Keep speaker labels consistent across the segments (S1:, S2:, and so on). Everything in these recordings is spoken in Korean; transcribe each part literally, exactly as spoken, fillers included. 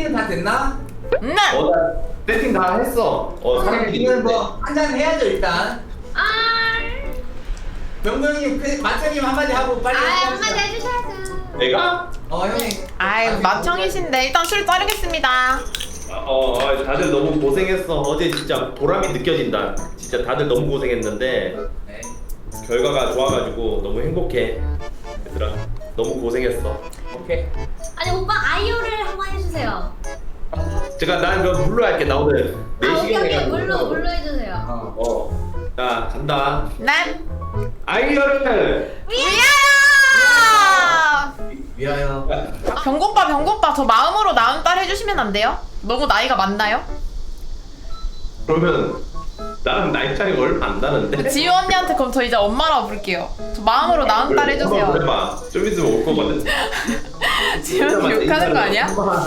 S1: 세팅은 다 됐나?
S2: 네.
S3: 어, 나 세팅 다 했어. 어, 사람들이
S1: 우리는 뭐 한잔 해야죠 일단.
S4: 아,
S1: 병구 형님, 그 마청님 한마디 하고 빨리.
S4: 아
S1: 합시다.
S4: 한마디 해주셔야죠.
S3: 내가?
S1: 어 형님.
S2: 아이 마청이신데 일단 술 따르겠습니다.
S3: 어, 어, 다들 너무 고생했어. 어제 진짜 보람이 느껴진다. 진짜 다들 너무 고생했는데
S1: 네.
S3: 결과가 좋아가지고 너무 행복해. 얘들아, 너무 고생했어.
S1: 오케이.
S4: 아니 오빠 아이오를 한번 해주세요.
S3: 제가 난 그럼 물로 할게. 나 오늘
S4: 아
S3: 네
S4: 오케이
S3: 시간
S4: 오케이 물로 물로 해주세요.
S1: 어.
S3: 어, 자 간다.
S2: 네.
S3: 아이어를
S2: 위하여.
S1: 위하여.
S2: 아, 병고빠 병고빠 저 마음으로 낳은 딸 해주시면 안 돼요? 너무 나이가 많나요?
S3: 그러면 나랑 나이 차이가 얼마 안 나는데?
S2: 지유 언니한테 그럼 저 이제 엄마라고 부를게요. 저 마음으로 낳은 딸 해주세요.
S3: 한번 해봐. 좀 있으면 올 거거든.
S2: 지유 언니 욕하는 거 아니야?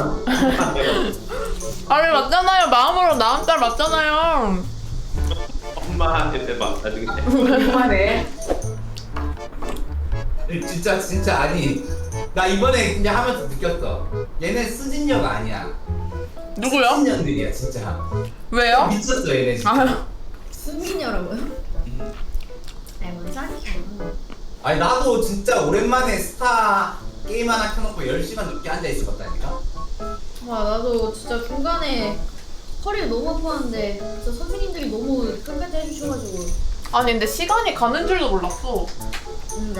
S2: 아니 맞잖아요. 마음으로 낳은 딸 맞잖아요.
S3: 엄마한테 해봐. 나중에.
S1: 그만해. 진짜 진짜 아니. 나 이번에 그냥 하면서 느꼈어. 얘네 수진력 아니야.
S2: 누구요?
S1: 수진년들이야 진짜.
S2: 왜요?
S1: 미쳤어 얘네 진짜.
S2: 아,
S4: 수민이라고요? 아이 뭔 소리야.
S1: 아니 나도 진짜 오랜만에 스타 게임 하나 켜놓고 열 시간 넘게 앉아 있었다니까.
S4: 와 나도 진짜 중간에 허리가 너무 아팠는데 진짜 선생님들이 너무 끝까지 해주셔가지고.
S2: 아니 근데 시간이 가는 줄도 몰랐어.
S4: 진짜.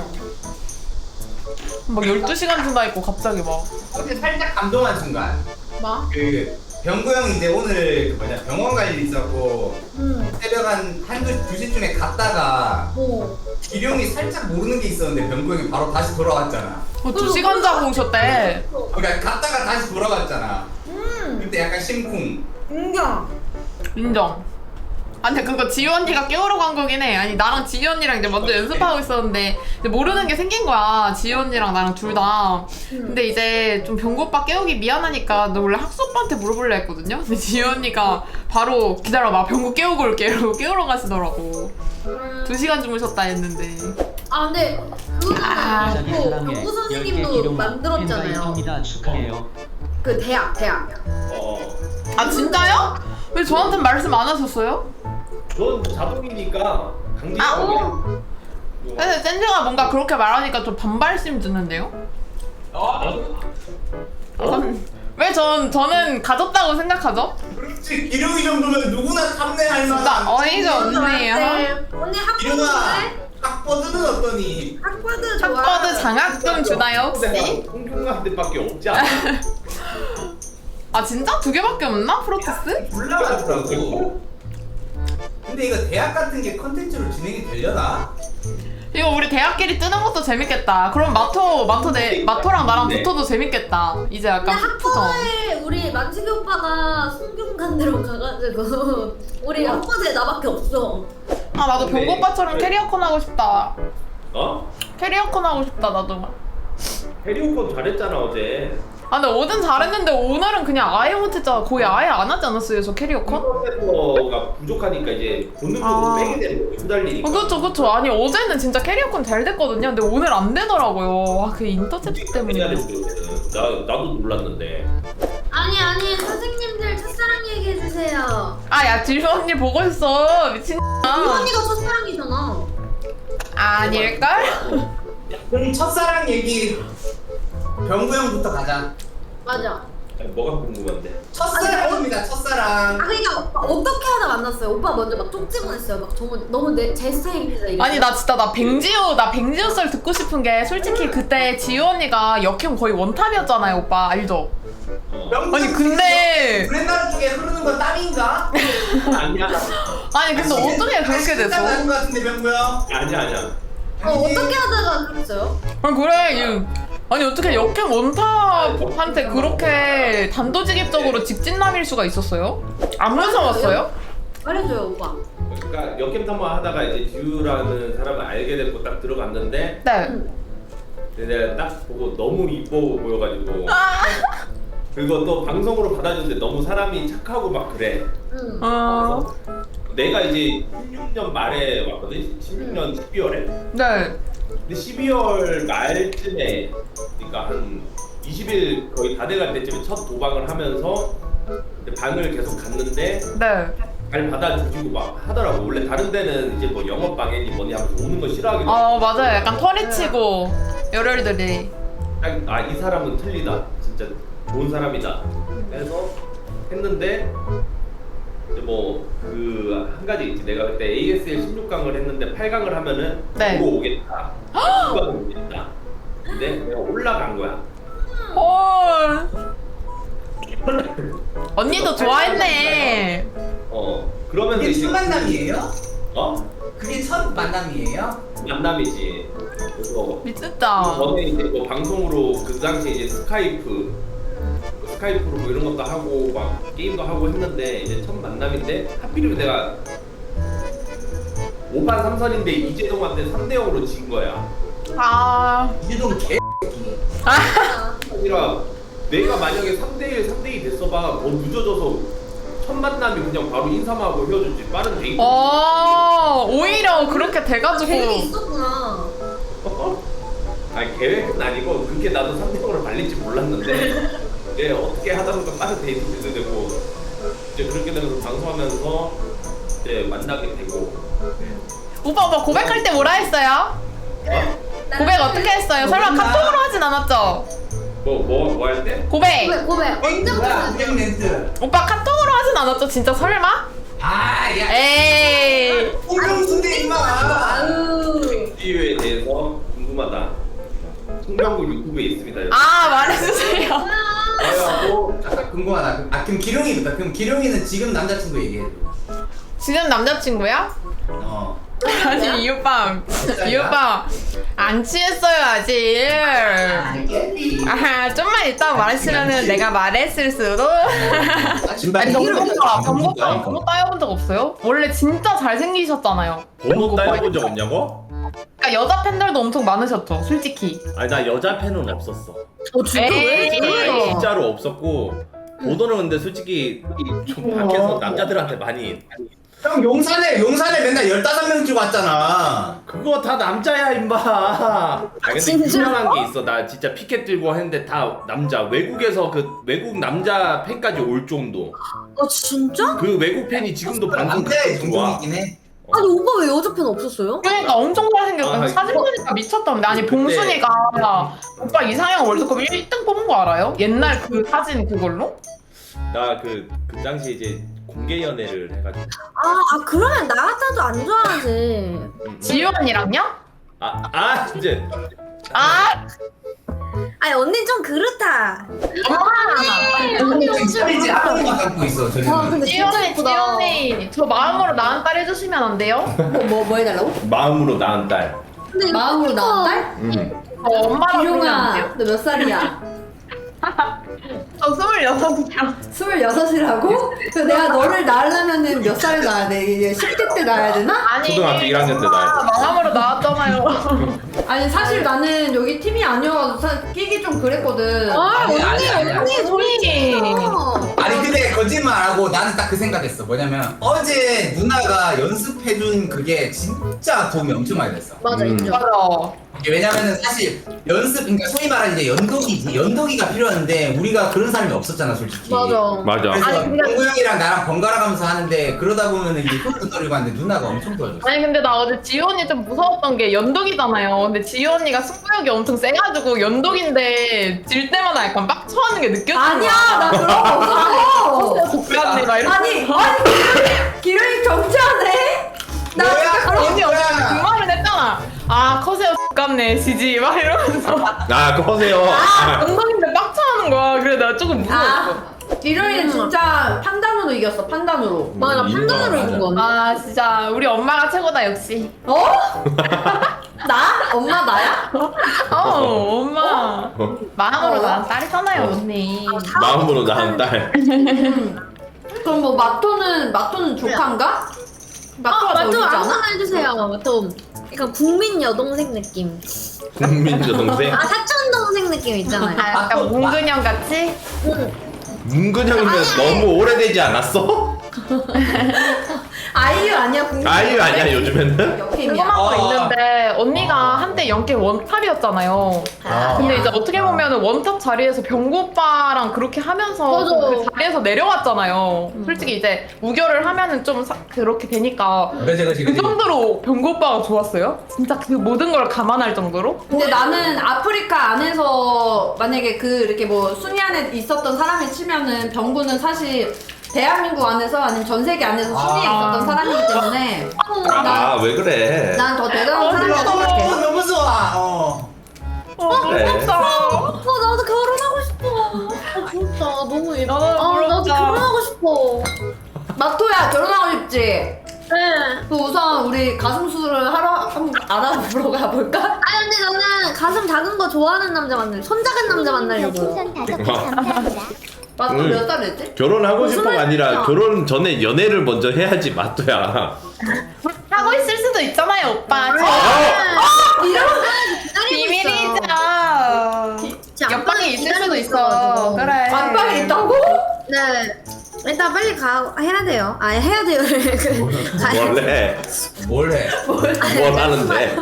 S2: 막 열두 시간 지나 있고 갑자기 막.
S1: 근데 살짝 감동한 순간.
S4: 뭐?
S1: 그 병구 형 이제 오늘 그 뭐냐 병원 갈 일 있었고
S4: 응.
S1: 새벽 한 한두 두 시쯤에 갔다가
S4: 뭐?
S1: 기룡이 살짝 모르는 게 있었는데 병구 형이 바로 다시 돌아왔잖아.
S2: 어, 두 시간 자고 오셨대.
S1: 그러니까 갔다가 다시 돌아갔잖아.
S4: 음.
S1: 그때 약간 심쿵.
S4: 인정.
S2: 인정. 아니 그거 지유 언니가 깨우러 간 거긴 해. 아니 나랑 지유 언니랑 이제 먼저 연습하고 있었는데 이제 모르는 게 생긴 거야. 지유 언니랑 나랑 둘 다. 근데 이제 좀 병구 오빠 깨우기 미안하니까 너 원래 학수 오빠한테 물어볼래 했거든요. 근데 지유 언니가 바로 기다려봐 병구 깨우고 올게 이러고 깨우러 가시더라고. 두 시간 주무셨다 했는데.
S4: 아 근데
S2: 아,
S4: 그거는 그 경구 선생님도 만들었잖아요.
S5: 축하해요.
S4: 그 대학 대학.
S3: 어.
S2: 아 진짜요? 왜 저한테 말씀 안 하셨어요?
S3: 넌 자동이니까 강제.
S2: 아,
S4: 어.
S2: 근데 샌드가 뭔가 그렇게 말하니까 좀 반발심 드는데요?
S1: 어?
S2: 왜 전, 저는 가졌다고 생각하죠?
S1: 그렇지. 기룡이 정도면 누구나 탐내할 만한.
S2: 진짜 어이가 없네요.
S4: 언니 학버드
S1: 기룡아
S4: 좋아해?
S1: 학버드는 어떠니?
S4: 학버드 좋아.
S2: 학버드 장학금 주나요 혹시?
S3: 홍경한테밖에 없지 않아?
S2: 아 진짜? 두 개밖에 없나? 프로테스?
S1: 불나가더라고. 근데 이거 대학 같은 게 컨텐츠로 진행이 되려나?
S2: 이거 우리 대학끼리 뜨는 것도 재밌겠다. 그럼 마토, 마토 내, 마토랑 나랑
S3: 네.
S2: 붙어도 재밌겠다. 이제
S4: 근데
S2: 약간 후프전.
S4: 학버드에 우리 만식이 오빠가 송경관대로 가가지고 우리 학버드에 나밖에 없어.
S2: 아 나도 병고 오빠처럼 캐리어컨 하고 싶다.
S3: 어?
S2: 캐리어컨 하고 싶다 나도.
S3: 해리오콘 잘했잖아 어제.
S2: 아 근데 어젠 잘했는데 오늘은 그냥 아예 못했잖아. 거의 아예 안 하지 않았어요 저 캐리어컨?
S3: 컴퓨터가 부족하니까 이제 본능적으로
S2: 아.
S3: 빼게 되는 거야. 후달리니까.
S2: 어, 그렇죠, 그렇죠. 아니 어제는 진짜 캐리어컨 잘 됐거든요. 근데 오늘 안 되더라고요. 와, 그 인터셉트
S3: 해야
S2: 때문에.
S3: 됐거든. 나 나도 놀랐는데.
S4: 아니 아니 선생님들 첫사랑 얘기해 주세요.
S2: 아, 야, 지수 언니 보고 있어. 미친.
S4: 이 언니가 첫사랑이잖아.
S2: 아닐걸?
S1: 그럼 첫사랑 얘기 병구 형부터 가자.
S4: 맞아.
S3: 아니, 뭐가 궁금한데?
S1: 첫사랑입니다.
S4: 아
S1: 첫사랑.
S4: 그러니까 오빠 어떻게 하다 만났어요? 오빠 먼저 막 쪽지보냈어요. 막 정말 너무 내 제 스타일이다 이게.
S2: 아니 나 진짜 나 백지우 나 백지우 썰 듣고 싶은 게 솔직히 그때 지우 언니가 역행 거의 원탑이었잖아요, 오빠 알죠?
S3: 어.
S1: 병구
S2: 아니
S1: 형
S2: 근데
S1: 브랜드 쪽에 흐르는 건 땀인가?
S3: 아니야.
S2: 아니 근데 어떻게 그렇게 됐어?
S1: 나는 것 같은데 병구 형.
S3: 아니야 아니야.
S4: 어 어떻게 하다가 그랬어요?
S2: 아 그래 이- 아니 어떻게 역행 원탑한테 그렇게 단도직입적으로 직진남일 수가 있었어요? 안 무서웠어요?
S4: 말해줘요 오빠.
S3: 그러니까 역캠 탐험 하다가 이제 듀라는 사람을 알게 됐고 딱 들어갔는데
S2: 네.
S4: 응.
S3: 근데 내가 딱 보고 너무 이뻐 보여가지고
S2: 아.
S3: 그리고 또 방송으로 받아주는데 너무 사람이 착하고 막 그래.
S4: 응.
S2: 어.
S3: 내가 이제 십육 년 말에 왔거든. 십육 년 십이월에.
S2: 네.
S3: 근데 십이월 말쯤에 그러니까 한 이십 일 거의 다 돼갈 때쯤에 첫 도박을 하면서 방을 계속 갔는데
S2: 네.
S3: 잘 받아주시고 막 하더라고. 원래 다른 데는 이제 뭐 영업방해니 뭐니 하면서 오는 거 싫어하기도
S2: 어 맞아요. 약간 털이 치고 열혈들이.
S3: 아 이 사람은 틀리다. 진짜 좋은 사람이다. 해서 했는데 이제 뭐 그 한 가지 있지. 내가 그때 에이에스엘 십육 강을 했는데 팔 강을 하면은
S2: 네.
S3: 보고 오겠다. 구 강을 오겠다. 근데 내가 올라간 거야.
S2: 헐. 언니도 좋아했네.
S3: 어 그러면서
S1: 그게
S3: 이제
S1: 첫 만남이에요?
S3: 어
S1: 그게 첫 만남이에요?
S3: 만남이지. 그래서
S2: 미쳤다.
S3: 전에 이제 뭐 방송으로 그 당시에 이제 스카이프 스카이프로 뭐 이런 것도 하고 막 게임도 하고 했는데 이제 첫 만남인데 하필이면 내가 오 판 삼 선인데 이재동한테 삼 대 영으로 진 거야.
S2: 아.
S1: 이재동 개.
S3: 아니라 내가 만약에 삼 대 일, 삼 대 이 됐어봐 더 늦어져서 첫 만남이 그냥 바로 인사만 하고 헤어졌지. 빠른 데이트.
S2: 어 오히려 그렇게 돼가지고.
S4: 계획이 있었구나.
S3: 아니 계획은 아니고 그렇게 나도 삼 대 영으로 말릴지 몰랐는데 예 어떻게 하다 보니까 빠른 데이트도 되고 이제 그렇게 되면서 방송하면서 이제 만나게 되고.
S2: 오빠 오빠 고백할 때 뭐라 했어요?
S3: 어?
S2: 고백 어떻게 했어요? 설마
S1: 몰라.
S2: 카톡으로 하진 않았죠?
S3: 뭐 뭐 뭐 할 때?
S2: 고백.
S4: 고백 고백 언제부터
S1: 뭐야
S4: 했어요?
S1: 우정 렌트.
S2: 오빠 카톡으로 하진 않았죠? 진짜 설마?
S1: 아야.
S2: 에이.
S1: 우정순대 임마.
S4: 아유.
S3: 이유에 대해서 궁금하다. 송병구 유튜브에 있습니다.
S2: 아 말해주세요.
S3: 하고
S1: 잠깐 궁금하다. 아 그럼 기룡이부터. 그럼 기룡이는 지금 남자친구 얘기해.
S2: 지금 남자친구야?
S1: 어.
S2: 아니 이 오빠 이 오빠 안 취했어요 아직.
S1: 알겠니?
S2: 아 좀만 이따 말했으면은 내가 말했을 수도. 아니 정보가 정보가 번호 따여본 적 없어요? 원래 진짜 잘생기셨잖아요.
S3: 번호 따여본 적 없냐고?
S2: 그러니까 여자 팬들도 엄청 많으셨죠, 솔직히.
S3: 아니 나 여자 팬은 없었어.
S4: 어 진짜 왜?
S2: 에이.
S3: 아니, 진짜로 없었고 보도는 근데 솔직히 좀 밖에서 남자들한테 많이
S1: 형 용산에 용산에 맨날 열다섯 명 찍고 왔잖아.
S3: 그거 다 남자야 임마. 아 근데
S4: 진짜?
S3: 유명한 게 있어. 나 진짜 피켓 들고 했는데 다 남자. 외국에서 그 외국 남자 팬까지 올 정도.
S4: 어 진짜?
S3: 그 외국 팬이 지금도 방송
S1: 남자의
S3: 가끔 들어와.
S1: 동종이긴 해.
S4: 아니 오빠 왜 여자 팬 없었어요?
S2: 그러니까 엄청 잘생겼어.
S3: 아,
S2: 사진 보니까 미쳤던데. 아니
S3: 그때-
S2: 봉순이가 오빠 이상형 월드컵 일 등 뽑은 거 알아요? 옛날 그 사진 그걸로?
S3: 나 그 그 당시에 이제 공개 연애를 해가지고.
S4: 아, 아 그러면 나 같아도 안 좋아하지.
S3: 음, 음.
S2: 지유 언니랑요?
S3: 아, 아 이제
S2: 아
S4: 아니 언니 좀 그렇다.
S1: 언니 살이지 아무것만 갖고 있어.
S4: 와
S1: 저는.
S4: 근데
S2: 지유
S4: 진짜
S2: 언니, 지유
S4: 예쁘다.
S2: 언니 저 마음으로 나은 딸 해주시면 안 돼요?
S4: 뭐 뭐 해달라고?
S3: 마음으로 낳은 딸.
S4: 근데 마음으로 낳은 딸?
S3: 음.
S2: 저 엄마랑 부르면 안
S5: 기룡아,
S2: 돼요?
S5: 너 몇 살이야?
S2: 저 스물여섯이요.
S5: 스물여섯이라고? 그 내가 너를 낳으려면은 몇 살에 낳아야 돼? 이제 십 대 때 낳아야 되나?
S2: 아니
S3: 초등학교 일 학년 때 나야 돼.
S2: 마음으로 나왔잖아요.
S5: 아니 사실 나는 여기 팀이 아니어서 사- 끼기 좀 그랬거든.
S2: 아
S1: 아니,
S2: 언니
S1: 아니, 아니,
S2: 언니 언니.
S1: 아니 근데 거짓말하고 나는 딱 그 생각했어. 뭐냐면 어제 누나가 연습해준 그게 진짜 도움이 엄청 많이 됐어.
S4: 맞아
S3: 음.
S4: 인정.
S2: 맞아.
S1: 이게 왜냐면은 사실 연습, 그러니까 소위 말하는 이제 연독이지. 연독이가 필요한데 우리가 그런 사람이 없었잖아, 솔직히.
S4: 맞아.
S3: 맞아.
S1: 그래서
S2: 아니, 근데-
S1: 동구 형이랑 나랑 번갈아 가면서 하는데 그러다 보면은 이제 손도 떨리고 하는데 누나가 엄청 도와줬어.
S2: 아니 근데 나 어제 지유 언니 좀 무서웠던 게 연독이잖아요. 근데 지유 언니가 승부욕이 엄청 세가지고 연독인데 질 때마다 약간 빡쳐하는 게 느껴지는
S5: 아니야, 나 그런 거 없어.
S2: 국가언니 막 이러면서.
S5: 아니, 아니 기룡이 경치하네. 나
S1: 뭐야?
S2: 언니 어제 그 말을 했잖아. 아 커세요 X같네 지지 막 이러면서.
S3: 아 그러세요. 아,
S2: 연독인데 빡쳐하는 거야. 그래 나 조금 무서웠어.
S5: 아, 기룡이는 진짜 판단으로 이겼어. 판단으로.
S4: 맞아
S3: 음,
S4: 판단으로
S3: 맞아.
S4: 이긴 거.
S2: 아 진짜 우리 엄마가 최고다 역시.
S5: 어? 나? 엄마 나야?
S2: 어 엄마. 마음으로 난 딸이잖아요 언니.
S3: 마음으로 낳은 딸.
S5: 그럼 뭐 마토는 마토는 조카인가? 마토가
S4: 아
S5: 더
S4: 맞죠
S5: 어리지 않아?
S4: 아무거나 해주세요. 좀 약간 국민 여동생 느낌.
S3: 국민 여동생.
S4: 아 사촌 동생 느낌 있잖아요.
S2: 아, 약간 몽근형 같이?
S4: 응.
S3: 문근형이면 너무 오래되지 않았어?
S5: 아이유 아니야 궁금.
S6: 아이유 아니야 요즘에는?
S5: 역행이야.
S2: 궁금한 거
S1: 아.
S2: 있는데 언니가 한때 연계 원탑이었잖아요.
S1: 아.
S2: 근데 이제 어떻게 보면은 원탑 자리에서 병구 오빠랑 그렇게 하면서
S4: 맞아.
S2: 그 자리에서 내려왔잖아요. 솔직히 이제 우결을 하면은 좀 사- 그렇게 되니까
S1: 그지 그지
S2: 그
S1: 그지.
S2: 정도로 병구 오빠가 좋았어요? 진짜 그 모든 걸 감안할 정도로?
S5: 근데 나는 아프리카 안에서 만약에 그 이렇게 뭐 순위 안에 있었던 사람이 치면은 병구는 사실 대한민국 안에서 아니면 전 세계 안에서 순위에
S1: 아.
S5: 있었던 사람이기 때문에
S6: 아 왜 그래?
S5: 난 더 대단한 사람이라고
S1: 어,
S5: 생각해.
S1: 너무 좋아. 어.
S2: 어,
S6: 그래.
S2: 부럽다.
S4: 어 나도 결혼하고 싶어. 아 부럽다. 너무 이-
S2: 나도
S4: 아 나도
S2: 부럽다.
S4: 결혼하고 싶어.
S5: 마토야 결혼하고 싶지?
S4: 네.
S5: 그 우선 우리 가슴 수술을 하러 한번 알아보러 가볼까?
S4: 아 근데 저는 가슴 작은 거 좋아하는 남자 만날, 손 작은 남자 만나려고요.
S7: 별풍선 다섯 개 감사합니다.
S5: 마토
S6: 음.
S5: 몇 살 됐지?
S6: 결혼하고
S4: 무슨
S6: 싶어가 아니라
S4: 말이야?
S6: 결혼 전에 연애를 먼저 해야지 맞도야.
S2: 하고 있을 수도 있잖아요, 오빠. 비밀이죠. 옆방에 있을 수도 있어. 그래.
S5: 안방에 있다고?
S4: 네. 일단 빨리 가 해야 돼요. 아 해야 돼요. 그 가야
S6: 원래
S1: 뭘 해?
S6: 뭘 하는데?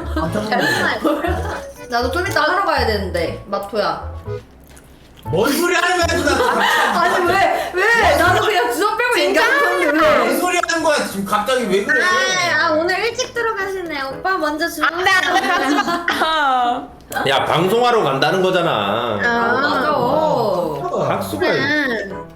S5: 나도 좀 이따 하러 가야 되는데 마토야.
S1: 뭔 소리 하는 거야 누나?
S5: 아니 왜 왜? 나도 그냥 주접 빼고 얘기하는 건데
S1: 뭔
S5: 왜?
S1: 소리 하는 거야 지금 갑자기 왜 그래?
S4: 아, 아 오늘 일찍 들어가시네. 오빠 먼저 주무세요.
S2: 안돼 안돼 가지 마.
S6: 야 방송하러 간다는 거잖아.
S5: 아 맞아.
S6: 학수가
S4: 음.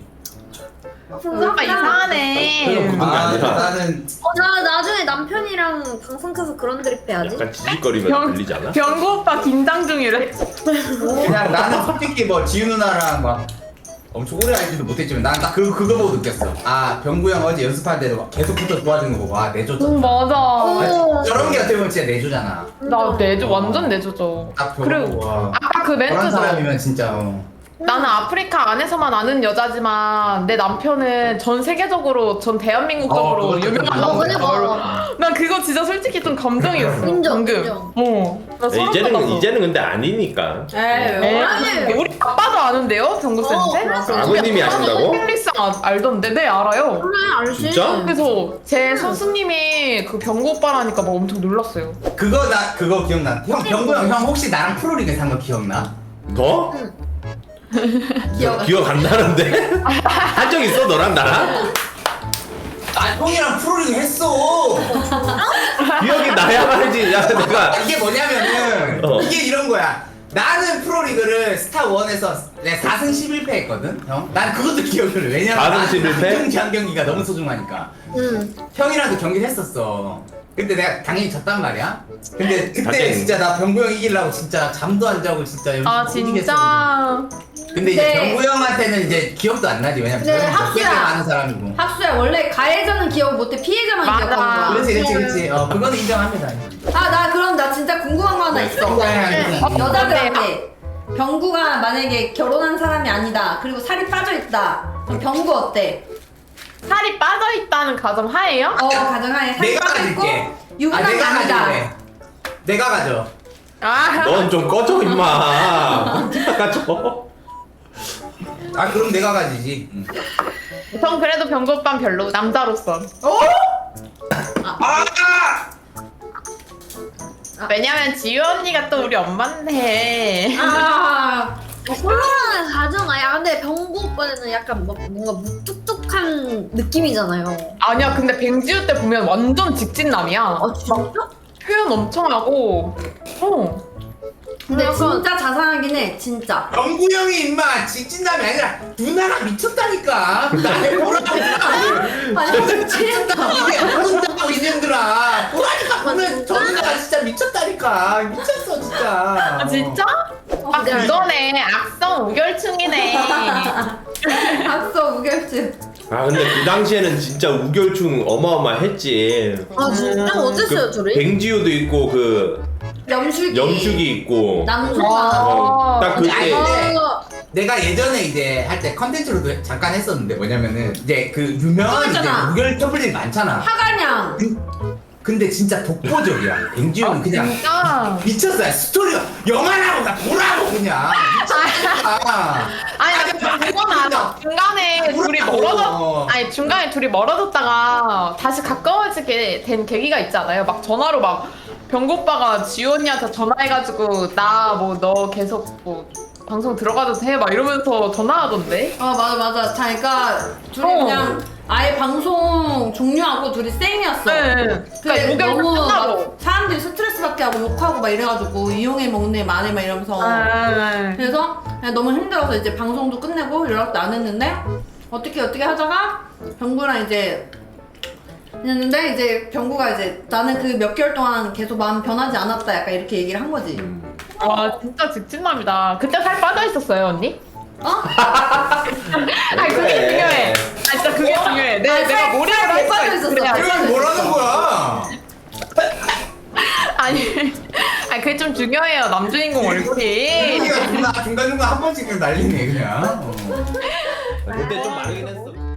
S2: 오빠 이상하네.
S6: 그런
S1: 아
S6: 아니야.
S1: 나는
S4: 어, 나 나중에 남편이랑 방송 켜서 그런 드립 해야지.
S6: 약간 지직거리면 들리지 않아?
S2: 병구 오빠 긴장 중이래.
S1: 그냥 나는 솔직히 뭐 지우 누나랑 막 엄청 오래 알지도 못했지만 난 딱 그 그거 보고 느꼈어. 아 병구 형 어제 연습할 때도 계속 붙어 도와주는 거 보고 아 내조죠.
S2: 음, 맞아.
S1: 아, 저런 게 어떻게 보면 진짜 내조잖아.
S2: 나 내조 완전 내조죠.
S1: 딱
S2: 그리고
S1: 보고 와.
S2: 아까 그
S1: 그런
S2: 멘트도
S1: 사람이면 진짜 어.
S2: 나는 아프리카 안에서만 아는 여자지만 내 남편은 전 세계적으로 전 대한민국적으로
S1: 어, 그것도
S2: 유명한
S1: 좀
S2: 남자야. 난 그거 진짜 솔직히 좀 감동이었어.
S4: 인정,
S2: 방금.
S4: 인정.
S2: 어. 나 소름
S6: 이제는
S2: 돋았어.
S6: 이제는 근데 아니니까.
S5: 에이
S2: 에?
S5: 왜?
S2: 우리 아빠도 아는데요, 병구 쌤인데?
S6: 아버님이 아신다고?
S2: 펠릭스 아, 알던데, 네 알아요.
S4: 그래 알지.
S6: 진짜?
S2: 그래서 제 선수님이 그 병구 오빠라니까 막 엄청 놀랐어요.
S1: 그거 나 그거 기억나. 형 병구 형, 형 혹시 나랑 프로리그 산 거 기억나?
S6: 더?
S5: 기억
S6: 기억 안 나는데? 한 적 있어 너랑 나랑?
S1: 아 형이랑 프로리그 했어.
S6: 기억이 나야 말이지. 야 내가
S1: 아, 이게 뭐냐면은
S6: 어.
S1: 이게 이런 거야. 나는 프로리그를 스타원에서 내 사 승 십일 패 했거든, 형. 난 그것도 기억을 해. 왜냐면
S6: 사 승 십일 패?
S1: 경기 한 경기가 너무 소중하니까.
S4: 응.
S1: 형이랑도 경기를 했었어. 근데 내가 당연히 졌단 말이야. 근데 그때
S6: 당연히.
S1: 진짜 나 병구 형 이기려고 진짜 잠도 안 자고 진짜 열심히
S2: 아,
S1: 뛰겠었거든.
S2: 진짜.
S1: 근데 이제
S5: 네.
S1: 병구 형한테는 이제 기억도 안 나지. 왜냐면
S5: 네,
S1: 저는
S5: 학수야.
S1: 학교에 많은 사람이고.
S5: 학수야 원래 가해자는 기억 못해 피해자만
S2: 맞아.
S5: 기억하는 거야.
S1: 그렇지, 그렇지, 그렇지. 어, 그거는 인정합니다.
S5: 아 나 그럼 나 진짜 궁금한 거 하나 있어.
S1: 네.
S5: 여자들한테 병구가 만약에 결혼한 사람이 아니다. 그리고 살이 빠져 있다. 그럼 병구 어때?
S2: 살이 빠져있다는 가정 하에요?
S5: 어 가정하에 살이
S1: 내가
S5: 빠져 있고
S1: 가질게. 아,
S5: 유부남이
S1: 내가
S5: 아니다.
S1: 가질래. 내가 가져.
S2: 아,
S6: 넌 좀 꺼져 임마. 꺼져.
S1: 아 그럼 내가 가지지. 응.
S2: 전 그래도 병구 오빠는 별로, 남자로서.
S1: 아!
S2: 왜냐면 지유 언니가 또 우리 엄마인데.
S5: 아
S4: 홀로라는 가정 아야. 근데 병구 오빠는 약간 뭐, 뭔가 무뚝뚝한 느낌이잖아요.
S2: 아니야, 근데 뱅지유 때 보면 완전 직진남이야.
S4: 아 진짜?
S2: 표현 엄청 하고. 어.
S5: 근데
S2: 약간-
S5: 진짜 자상하긴 해 진짜.
S1: 병구 형이 임마 직진남이 아니라 누나가 미쳤다니까. 날 보라고.
S5: 아니 미치겠다.
S1: 이게 모른다고 이년들아. 보라니까 보면
S4: 진짜?
S1: 저 누나가 진짜 미쳤다니까. 미쳤어 진짜.
S2: 아, 진짜? 아,
S4: 네.
S2: 그거네. 악성 우결충이네.
S5: 박서 우결증.
S6: 아 근데 그 당시에는 진짜 우결충 어마어마했지.
S4: 아 진짜 어땠어요
S6: 그
S4: 둘이?
S6: 뱅지우도 있고 그
S5: 염숙이.
S6: 염숙이 있고.
S5: 남수가.
S6: 어, 딱
S1: 아니,
S6: 그때
S1: 근데
S4: 아,
S1: 내가 예전에 이제 할 때 컨텐츠로도 잠깐 했었는데 뭐냐면은 이제 그 유명한 이제
S5: 있잖아.
S1: 무결 터블이 많잖아.
S5: 화가냥.
S1: 근데 진짜 독보적이야. 뱅지훈은 그냥
S2: 진짜.
S1: 미쳤어요. 스토리가 영화라고 나 보라고 그냥. 미쳤다.
S2: 아니,
S1: 아니,
S2: 나
S1: 아니
S2: 그건 알아. 중간에 둘이 멀어졌 아니 중간에 둘이 멀어졌다가 다시 가까워지게 된 계기가 있지 않아요? 막 전화로 막 병구 오빠가 지우 언니한테 전화해가지고 나 뭐 너 계속 뭐 방송 들어가도 돼? 막 이러면서 전화하던데?
S5: 아 맞아 맞아. 자, 그러니까 둘이
S2: 어.
S5: 그냥 아예 방송 종료하고 둘이 생이었어.
S2: 네.
S5: 근데
S2: 그러니까 목욕
S5: 너무
S2: 끝나고.
S5: 막 사람들이 스트레스 받게 하고 욕하고 막 이래가지고 이용해 먹네 마네 막 이러면서
S2: 아,
S5: 그래서 그냥 너무 힘들어서 이제 방송도 끝내고 연락도 안 했는데 어떻게 어떻게 하다가 병구랑 이제 했는데 이제 병구가 이제 나는 그 몇 개월 동안 계속 마음 변하지 않았다 약간 이렇게 얘기를 한 거지.
S2: 와 진짜 직진남이다. 그때 살 빠져 있었어요 언니?
S5: 어?
S2: 아니 그게 중요해. 아 진짜 그게 중요해. 내,
S5: 아니,
S2: 내가
S5: 살-
S2: 모래를
S5: 살
S2: 할
S5: 빠져
S2: 수가
S5: 있었어.
S2: 있어.
S1: 이건 뭐라는 거야?
S2: 아니, 아니 그게 좀 중요해요. 남주인공 얼굴이.
S1: 중간 중간 한 번씩 그냥 날리네 그냥. 어.
S6: 그때 좀 많긴 했어.